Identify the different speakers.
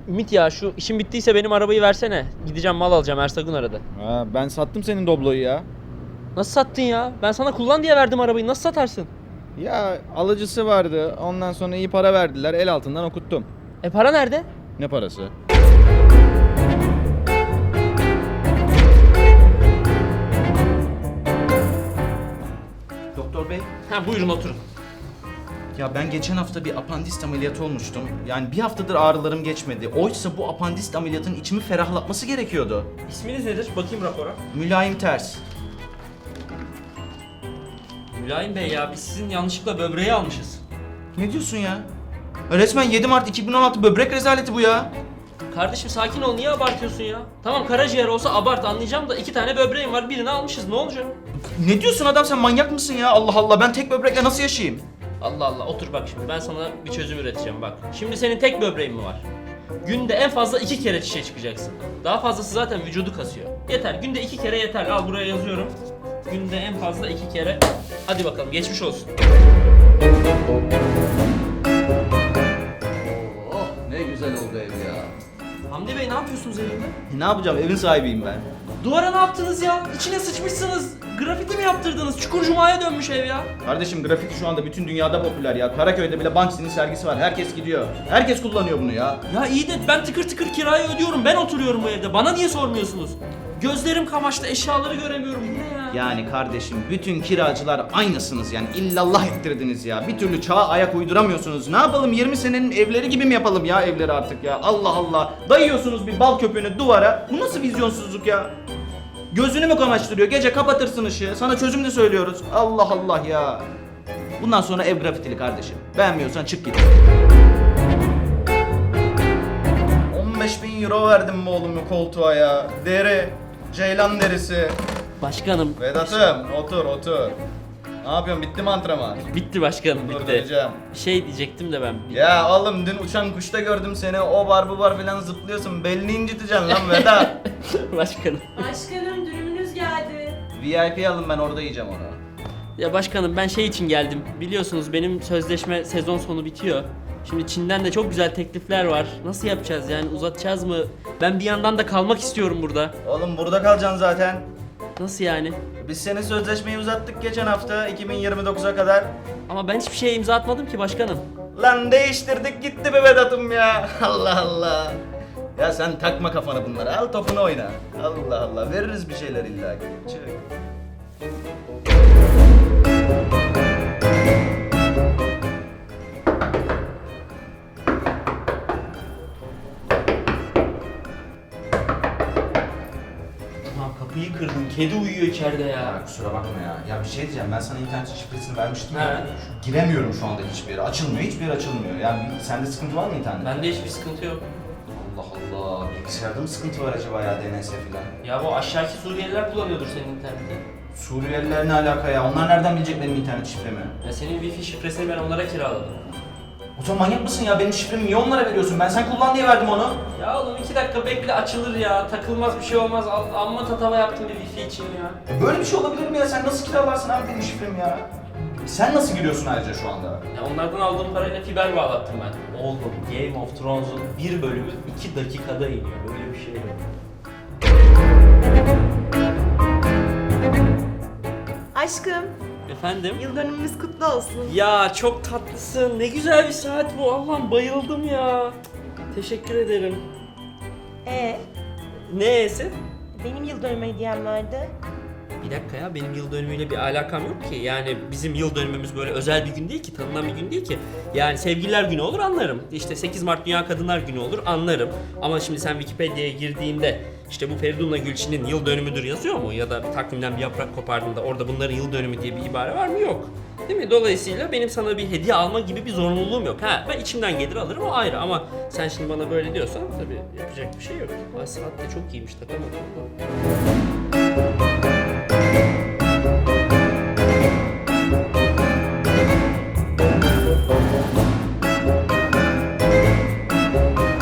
Speaker 1: Ümit ya şu işin bittiyse benim arabayı versene. Gideceğim mal alacağım, Ersagun aradı.
Speaker 2: Ha, ben sattım senin Doblo'yu ya.
Speaker 1: Nasıl sattın ya? Ben sana kullan diye verdim arabayı. Nasıl satarsın?
Speaker 2: Ya alıcısı vardı. Ondan sonra iyi para verdiler. El altından okuttum.
Speaker 1: Para nerede?
Speaker 2: Ne parası?
Speaker 3: Doktor bey,
Speaker 1: Ha buyurun oturun.
Speaker 3: ya ben geçen hafta bir apandist ameliyatı olmuştum. Yani bir haftadır ağrılarım geçmedi. Oysa bu apandist ameliyatın içimi ferahlatması gerekiyordu.
Speaker 1: İsminiz nedir? Bakayım rapora.
Speaker 3: Mülayim ters.
Speaker 1: Mülayim Bey ya biz sizin yanlışlıkla böbreği almışız.
Speaker 3: Ne diyorsun ya? Resmen 7 Mart 2016 böbrek rezaleti bu ya.
Speaker 1: Kardeşim sakin ol, niye abartıyorsun ya? Tamam karaciğer olsa abart anlayacağım da 2 tane böbreğim var, birini almışız, ne olacak?
Speaker 3: Ne diyorsun adam, sen manyak mısın ya? Allah Allah, ben tek böbrekle nasıl yaşayayım?
Speaker 1: Allah Allah, otur bak şimdi ben sana bir çözüm üreteceğim bak. Şimdi senin tek böbreğin mi var? Günde en fazla 2 kere çişe çıkacaksın. Daha fazlası zaten vücudu kasıyor. Yeter, günde 2 kere yeter. Al buraya yazıyorum. Günde en fazla 2 kere. Hadi bakalım, geçmiş olsun.
Speaker 3: Oh, ne güzel oldu ev ya.
Speaker 1: Hamdi Bey ne yapıyorsunuz evimde?
Speaker 3: Ne yapacağım, evin sahibiyim ben.
Speaker 1: Duvara ne yaptınız ya? İçine sıçmışsınız. Grafiti mi yaptırdınız? Çukur Cuma'ya dönmüş ev ya.
Speaker 3: Kardeşim grafiti şu anda bütün dünyada popüler ya. Karaköy'de bile Banksy'nin sergisi var. Herkes gidiyor. Herkes kullanıyor bunu ya.
Speaker 1: Ya iyi de ben tıkır tıkır kirayı ödüyorum. Ben oturuyorum bu evde. Bana niye sormuyorsunuz? Gözlerim kamaştı, eşyaları göremiyorum. Bu ne ya?
Speaker 3: Yani kardeşim bütün kiracılar aynısınız yani, illallah ettirdiniz ya. Bir türlü çağa ayak uyduramıyorsunuz. Ne yapalım, 20 senenin evleri gibi mi yapalım ya evleri artık ya? Allah Allah. Dayıyorsunuz bir bal köpüğünü duvara. Bu nasıl vizyonsuzluk ya? Gözünü mü kamaştırıyor? Gece kapatırsın ışığı. Sana çözüm de söylüyoruz. Allah Allah ya. Bundan sonra ev grafitili kardeşim. Beğenmiyorsan çık git. 15.000 euro verdim bu oğlum koltuğa ya. Deri. Ceylan derisi.
Speaker 1: Başkanım.
Speaker 3: Vedat'ım otur otur. Ne yapıyorsun, bitti mi antrenman?
Speaker 1: Bitti başkanım,
Speaker 3: Dur,
Speaker 1: bitti.
Speaker 3: vereceğim.
Speaker 1: Bir şey diyecektim de ben.
Speaker 3: Ya oğlum dün uçan kuşta gördüm seni, o var bu var filan zıplıyorsun, belini inciteceksin lan Vedat.
Speaker 1: Başkanım.
Speaker 4: Başkanım dürümünüz geldi.
Speaker 3: VIP alın, ben orada yiyeceğim onu.
Speaker 1: Ya başkanım ben şey için geldim. Biliyorsunuz benim sözleşme sezon sonu bitiyor. Şimdi Çin'den de çok güzel teklifler var. Nasıl yapacağız yani, uzatacağız mı? Ben bir yandan da kalmak istiyorum burada.
Speaker 3: Oğlum burada kalacaksın zaten.
Speaker 1: Nasıl yani?
Speaker 3: Biz senin sözleşmeyi uzattık geçen hafta 2029'a kadar.
Speaker 1: Ama ben hiçbir şeye imza atmadım ki başkanım.
Speaker 3: Lan değiştirdik gitti be Vedat'ım ya. Allah Allah. Ya sen takma kafanı bunlara, al topunu oyna. Allah Allah, veririz bir şeyler illa ki. Çık.
Speaker 1: Ulan kapıyı kırdın, kedi uyuyor içeride ya.
Speaker 3: Ya kusura bakma ya. Ya bir şey diyeceğim, ben sana internet şifresini vermiştim ya.
Speaker 1: He.
Speaker 3: Giremiyorum şu anda hiçbir yere. Açılmıyor, hiçbir yer açılmıyor. Yani sende sıkıntı var mı internette?
Speaker 1: Bende hiçbir sıkıntı yok.
Speaker 3: Allah Allah. Bilgisayarda mı sıkıntı var acaba ya, DNS falan?
Speaker 1: Ya bu aşağıki Suriyeliler kullanıyordur senin interneti.
Speaker 3: Suriyeliler ne alaka ya? Onlar nereden bilecek benim internet şifremi?
Speaker 1: Ya senin wifi şifresini ben onlara kiraladım.
Speaker 3: O zaman manyak mısın ya? Benim şifremi niye onlara veriyorsun? Ben sen kullan diye verdim onu.
Speaker 1: Ya oğlum 2 dakika bekle, açılır ya. Takılmaz bir şey olmaz. Amma tatava yaptım bir wifi için ya.
Speaker 3: Böyle bir şey olabilir mi ya? Sen nasıl kiralarsın abi benim şifremi ya? Sen nasıl giriyorsun ayrıca şu anda?
Speaker 1: Ya onlardan aldığım parayla fiber bağlattım ben. Oğlum Game of Thrones'un bir bölümü 2 dakikada iniyor. Böyle bir şey yok.
Speaker 4: Aşkım,
Speaker 1: Efendim?
Speaker 4: yıl dönümümüz kutlu olsun.
Speaker 1: Ya çok tatlısın. Ne güzel bir saat bu. Allah'ım bayıldım ya. Teşekkür ederim. Neyse?
Speaker 4: Benim yıl dönümü hediyem vardı.
Speaker 1: Bir dakika ya, benim yıl dönümüyle bir alakam yok ki. Yani bizim yıl dönümümüz böyle özel bir gün değil ki, tanınan bir gün değil ki. Yani sevgililer günü olur anlarım. İşte 8 Mart Dünya Kadınlar Günü olur anlarım. Ama şimdi sen Wikipedia'ya girdiğinde işte bu Feridun'la Gülçin'in yıl dönümüdür yazıyor mu? Ya da bir takvimden bir yaprak kopardığında orada bunların yıl dönümü diye bir ibare var mı? Yok. Değil mi? Dolayısıyla benim sana bir hediye alma gibi bir zorunluluğum yok. Ha, ben içimden gelir alırım, o ayrı, ama sen şimdi bana böyle diyorsan tabii yapacak bir şey yok. Ay saat de çok iyiymiş, takamadım.